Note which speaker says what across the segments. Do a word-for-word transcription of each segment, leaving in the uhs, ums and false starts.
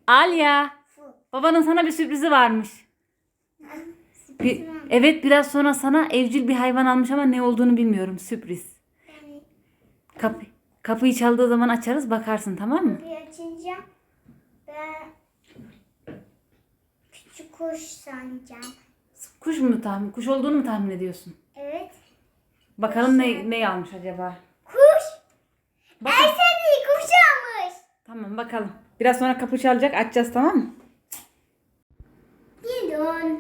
Speaker 1: Alya, babanın sana bir sürprizi varmış. Bir, evet biraz sonra sana evcil bir hayvan almış ama ne olduğunu bilmiyorum. Sürpriz. Kapı, kapıyı çaldığı zaman açarız bakarsın, tamam mı?
Speaker 2: Kapıyı açınca ben küçük kuş sanacağım.
Speaker 1: Kuş mu tahmin? Kuş olduğunu mu tahmin ediyorsun?
Speaker 2: Evet.
Speaker 1: Bakalım ne ne almış acaba?
Speaker 2: Kuş.
Speaker 1: Bakın.
Speaker 2: Erseni kuş almış.
Speaker 1: Tamam bakalım. Biraz sonra kapı çalacak, açacağız, tamam mı?
Speaker 2: Gidon.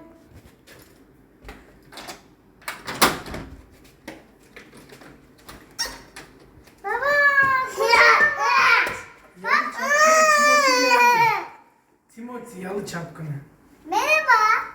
Speaker 2: Baba.
Speaker 3: Timothy yalı çapkını.
Speaker 2: Merhaba.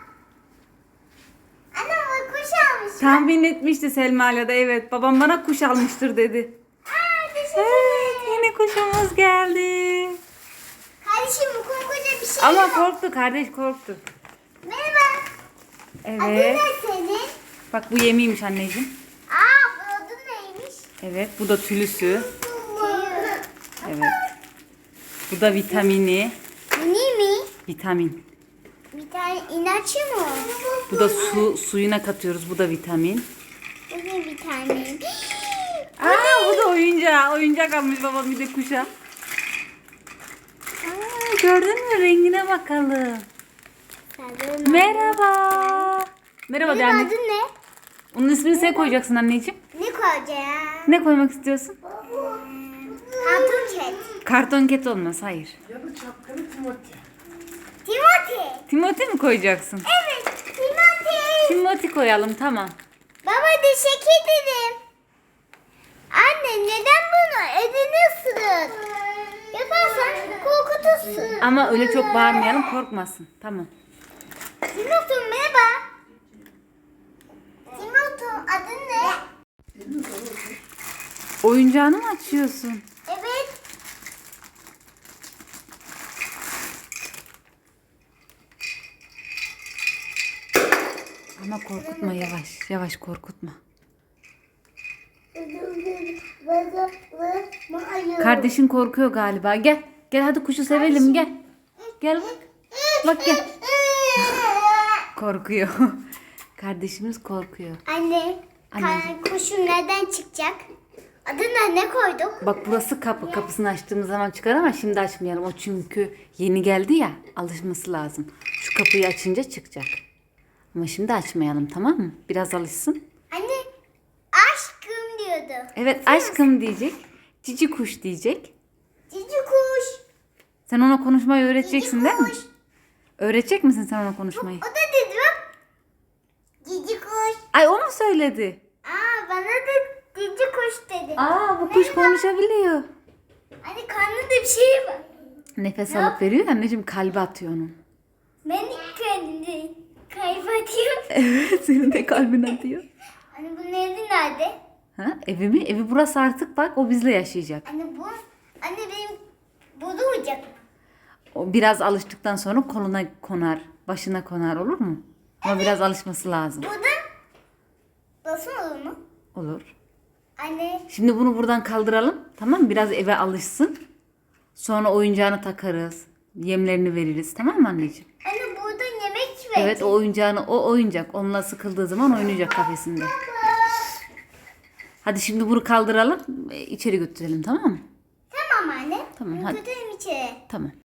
Speaker 2: Anam kuş almış.
Speaker 1: Tahmin etmişti Selma'yla da, evet. Babam bana kuş almıştır dedi.
Speaker 2: Aa, teşekkür
Speaker 1: Evet,
Speaker 2: ederim.
Speaker 1: yine kuşumuz geldi.
Speaker 2: Kardeşim bu koca bir şey
Speaker 1: Ama
Speaker 2: yok.
Speaker 1: korktu, kardeş korktu.
Speaker 2: Merhaba. Adın
Speaker 1: Evet.
Speaker 2: ne senin?
Speaker 1: Bak bu yemiymiş anneciğim.
Speaker 2: Aa, bu adın neymiş?
Speaker 1: Evet, bu da tülüsü.
Speaker 2: Tüyü.
Speaker 1: Evet. Bu da vitamini.
Speaker 2: Bu ne mi?
Speaker 1: Vitamin.
Speaker 2: Bir tane inaçı mı?
Speaker 1: Bu da su suyuna katıyoruz. Bu da vitamin.
Speaker 2: Bu ne bir tane?
Speaker 1: Aa, bu da oyuncak. Oyuncak almış babam bir de kuşa. Aa, gördün mü? Rengine bakalım. Merhaba. Merhaba de
Speaker 2: Benim
Speaker 1: anne.
Speaker 2: adın ne?
Speaker 1: Onun ismini sen koyacaksın anneciğim.
Speaker 2: Ne koyacağım?
Speaker 1: Ne koymak istiyorsun?
Speaker 2: Hatun ket.
Speaker 1: Karton ket olmaz, hayır.
Speaker 3: Yalı çapkını Timothy.
Speaker 2: Timothy.
Speaker 1: Timothy mi koyacaksın?
Speaker 2: Evet, Timothy.
Speaker 1: Timothy koyalım, tamam.
Speaker 2: Baba teşekkür ederim. Anne neden bunu elini ısırır? Yaparsan korkutursun.
Speaker 1: Ama öyle çok bağırmayalım, korkmasın. Tamam.
Speaker 2: Timothy merhaba. Timothy adın ne?
Speaker 1: Oyuncağını mı açıyorsun?
Speaker 2: Evet.
Speaker 1: Ama korkutma, yavaş. Yavaş korkutma. Kardeşin korkuyor galiba. Gel. Gel hadi kuşu sevelim, gel. Gel bak. Bak gel. Korkuyor. Kardeşimiz korkuyor.
Speaker 2: Anne,
Speaker 1: Anne.
Speaker 2: ka- kuşun nereden çıkacak? Adına ne koyduk?
Speaker 1: Bak burası kapı. Kapısını açtığımız zaman çıkar ama şimdi açmayalım. O çünkü yeni geldi ya. Alışması lazım. Şu kapıyı açınca çıkacak. Ama şimdi açmayalım, tamam mı? Biraz alışsın.
Speaker 2: Anne, aşkım diyordu.
Speaker 1: Evet aşkım diyecek. Cici kuş diyecek.
Speaker 2: Cici kuş.
Speaker 1: Sen ona konuşmayı öğreteceksin
Speaker 2: Cici
Speaker 1: değil mi?
Speaker 2: kuş.
Speaker 1: Öğretecek misin sen ona konuşmayı?
Speaker 2: O da dedi bak. Cici kuş.
Speaker 1: Ay o mu söyledi?
Speaker 2: Aa bana da cici kuş dedi.
Speaker 1: Aa bu kuş konuşabiliyor.
Speaker 2: Anne karnında bir şey var.
Speaker 1: Nefes alıp veriyor ya anneciğim, kalbi atıyor onun.
Speaker 2: Ben kendini kaybediyorum.
Speaker 1: Evet senin de kalbin atıyor.
Speaker 2: Anne bu evi nerede?
Speaker 1: Ha, evi mi? Evi burası artık, bak o bizle yaşayacak.
Speaker 2: Anne bu, anne benim burada uyuyacak.
Speaker 1: O biraz alıştıktan sonra koluna konar, başına konar, olur mu? Ama biraz alışması lazım.
Speaker 2: Burada nasıl olur mu?
Speaker 1: Olur.
Speaker 2: Anne
Speaker 1: Şimdi bunu buradan kaldıralım. Tamam mı? Biraz eve alışsın. Sonra oyuncağını takarız. Yemlerini veririz. Tamam mı anneciğim?
Speaker 2: Anne burada yemek verecek.
Speaker 1: Evet o oyuncağını, o oyuncak. Onunla sıkıldığı zaman oynayacak kafesinde. Hadi şimdi bunu kaldıralım. e, içeri götürelim, tamam mı?
Speaker 2: Tamam anne.
Speaker 1: Tamam,
Speaker 2: Ben
Speaker 1: hadi.
Speaker 2: götüreyim içeri.
Speaker 1: Tamam.